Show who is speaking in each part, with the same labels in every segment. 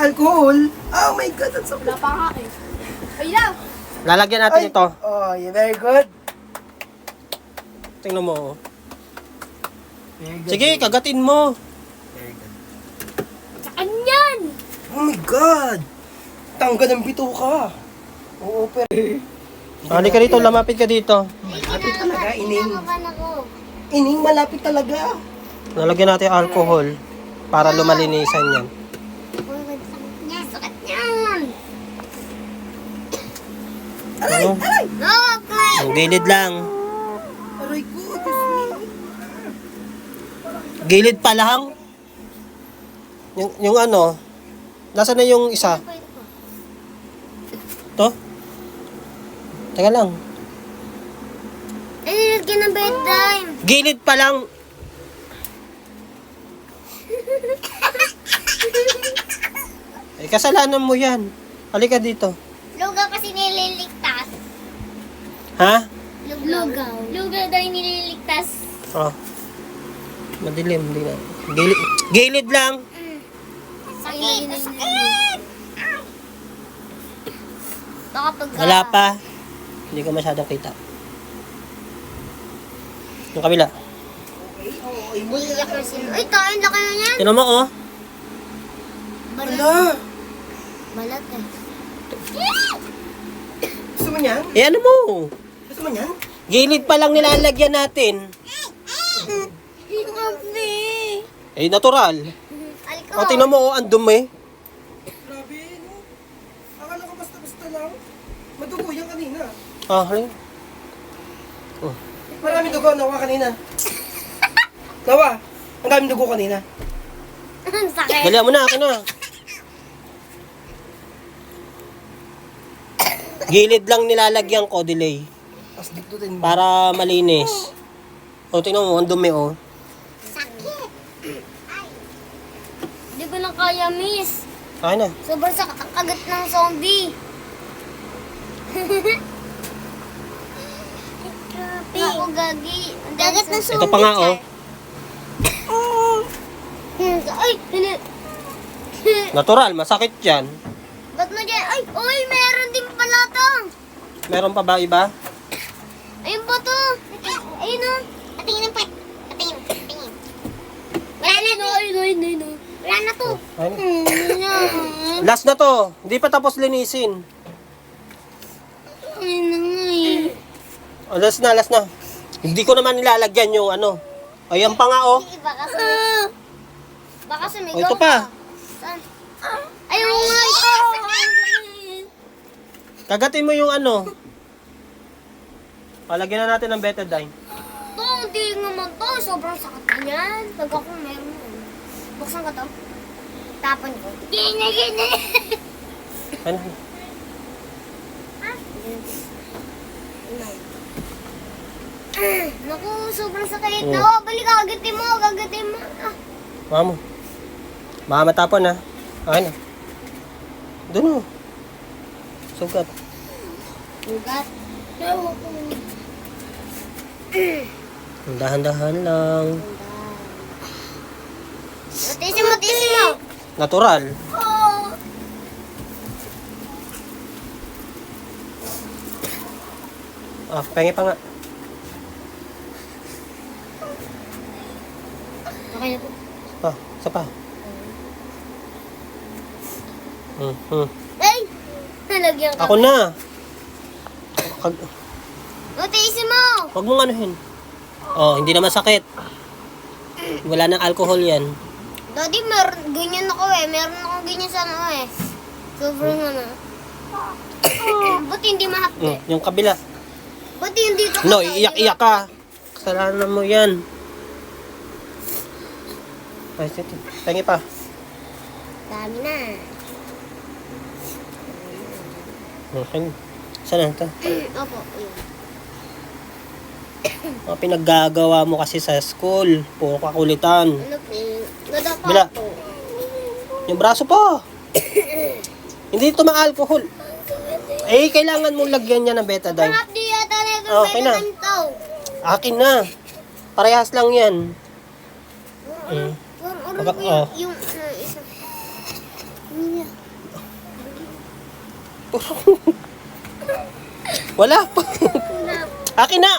Speaker 1: alcohol. Oh my God, that's so
Speaker 2: Wala pa nga eh. Ay lang!
Speaker 3: Lalagyan natin ito.
Speaker 1: Oh, yeah, very good.
Speaker 3: Tingnan mo.
Speaker 1: Very good.
Speaker 3: Sige, kagatin mo.
Speaker 1: Very good.
Speaker 2: Saan yan?
Speaker 1: Oh my God! Tangga ng bituka. Oo, pero...
Speaker 3: Halika dito, lamapit ka dito.
Speaker 1: Malapit talaga, Ining.
Speaker 2: Kinakabahan ako.
Speaker 1: Ining, malapit talaga.
Speaker 3: Lalagyan natin alcohol para lumalinisan yan.
Speaker 2: Sakit yan!
Speaker 3: Ano?
Speaker 2: Okay!
Speaker 3: Ang gilid lang.
Speaker 1: Aray ko, Diyos me.
Speaker 3: Gilid pa lang. Yung ano, nasa na yung isa? To? Teka lang.
Speaker 2: Nililagyan ng bedtime.
Speaker 3: Gilid pa lang. Eh, kasalanan mo yan. Halika dito.
Speaker 2: Lugaw kasi nililigtas.
Speaker 3: Ha?
Speaker 2: Lugaw. Lugaw daw yung nililigtas.
Speaker 3: Oh. Madilim, hindi na. Gilid lang.
Speaker 2: Sakit! Sakit! Baka pag...
Speaker 3: Wala pa. Hindi ko masyadong kita. Yung kabila.
Speaker 2: Iiyak na sila. Ay, kain na kayo niyan.
Speaker 3: Tinan mo, oh.
Speaker 1: Hala!
Speaker 2: Balat eh.
Speaker 1: Gusto mo niyan?
Speaker 3: Eh, ano mo?
Speaker 1: Gusto mo niyan?
Speaker 3: Gilid pa lang nilalagyan natin.
Speaker 2: Hindi.
Speaker 3: Eh, natural.
Speaker 2: Aliko.
Speaker 3: O, tingnan mo, oh, ang dumi.
Speaker 1: Grabe, no? Akala ko basta-basta lang. Madugo yan kanina.
Speaker 3: Ah, halika.
Speaker 1: Maraming dugo, nawa kanina. Nawa, ang daming dugo kanina.
Speaker 2: Ang sakit.
Speaker 3: Dalihan mo na, akin na. Gilid lang nilalagyan ko, delay.
Speaker 1: Tapos diktutin mo.
Speaker 3: Para malinis. O, tingnan mo, ang dumi, oh.
Speaker 2: Sakit. Hindi ko lang kaya, miss.
Speaker 3: Akin na.
Speaker 2: Sobrang sakit ang kagat ng zombie. Ako gagi. Ang kagat ng zombie.
Speaker 3: Ito pa nga, oh.
Speaker 2: Ay, hindi.
Speaker 3: Natural, masakit yan.
Speaker 2: Ba't mo dyan? Ay, uy, meron din pala to.
Speaker 3: Meron pa ba iba?
Speaker 2: Ayun po to. Ayun o. Patingin ng pet. Patingin. Patingin. Wala na to. Ayun. Wala na to.
Speaker 3: Ayun. Last na to. Hindi pa tapos linisin.
Speaker 2: Ayun na nga eh.
Speaker 3: O, last na. Hindi ko naman nilalagyan yung ano. Ayan pa nga, oh.
Speaker 2: Baka sumigaw
Speaker 3: O, ito pa.
Speaker 2: Saan? Ayun nga ito.
Speaker 3: Kagatin mo yung ano. Palagyan na natin ng betadine.
Speaker 2: To, hindi naman to. Sobrang sakit na yan. Pag ako meron yun. Buksan ko to. Tapon ko. Gina.
Speaker 3: Ano?
Speaker 2: Naku, sobrang sakit. No, balik kagatin mo.
Speaker 3: Mamo. Baka matapon, ha. Akin na. Doon, oh. Sugat.
Speaker 2: Ugat.
Speaker 3: Dahan-dahan lang.
Speaker 2: Tisin mo.
Speaker 3: Natural.
Speaker 2: Oh.
Speaker 3: Ah, pengi pa nga.
Speaker 2: Okay na po.
Speaker 3: Ah, isa pa.
Speaker 2: Ay! Nalagyan ka.
Speaker 3: Ako na.
Speaker 2: Tisin mo.
Speaker 3: Huwag mong anuhin. Oh, hindi naman sakit. Wala nang alcohol yan.
Speaker 2: Daddy, ganyan ako eh. Meron akong ganyan sa ano eh. Sobrang ano. Ba't hindi mahapde?
Speaker 3: Yung kabila.
Speaker 2: Ba't hindi ka
Speaker 3: No, iiyak-iyak ka. Kasalanan mo yan. Ay, sige. Pengi pa.
Speaker 2: Dami na.
Speaker 3: Okay. Saan na ito?
Speaker 2: Opo, yun.
Speaker 3: Mga pinaggagawa mo kasi sa school. Puro kakulitan.
Speaker 2: Ano po? Gada pa
Speaker 3: Bila.
Speaker 2: po.
Speaker 3: Yung braso pa. Hindi ito ma-alcohol. Eh, kailangan mong lagyan niya ng betadine.
Speaker 2: Mahapde yata na ito.
Speaker 3: Okay na. Akin na. Parehas lang yan.
Speaker 2: Parang
Speaker 3: Baka- oh.
Speaker 2: yung isa.
Speaker 3: Wala pa. Akin na!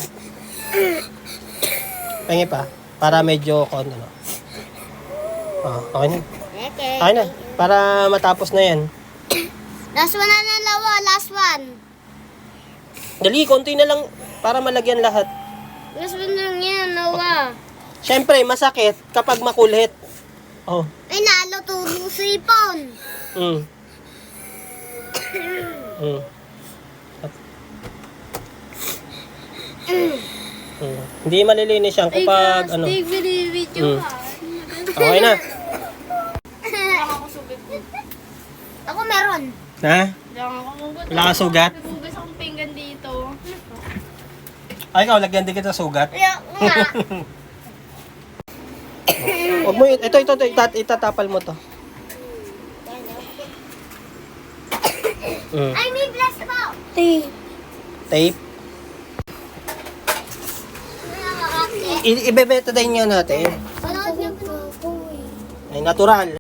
Speaker 3: Pengi pa. Para medyo konti na. Okay na.
Speaker 2: Okay.
Speaker 3: Okay na. Para matapos na yan.
Speaker 2: Last one na lawa. Last one.
Speaker 3: Dali, konti na lang para malagyan lahat.
Speaker 2: Last one lang yan, lawa.
Speaker 3: Siyempre, masakit kapag makulit. Oh.
Speaker 2: Ay, nalo turo sa ipon.
Speaker 3: Mm. Mm. Mm. Hindi malilinis yan kapag ano.
Speaker 2: Video
Speaker 3: Mm. Okay na.
Speaker 2: Ako meron.
Speaker 3: Ha?
Speaker 4: Diyan ako hugot.
Speaker 3: Wala kang sugat?
Speaker 4: Hugas akong pinggan dito.
Speaker 3: Ay, ikaw, lagyan din kita sugat.
Speaker 2: Kaya nga.
Speaker 3: Huwag mo, ito, itatapal mo to. Mm.
Speaker 2: Ay, may bless po.
Speaker 3: Tape. Ibebeta din nga natin.
Speaker 2: Sunod niyo po.
Speaker 3: Ay, natural.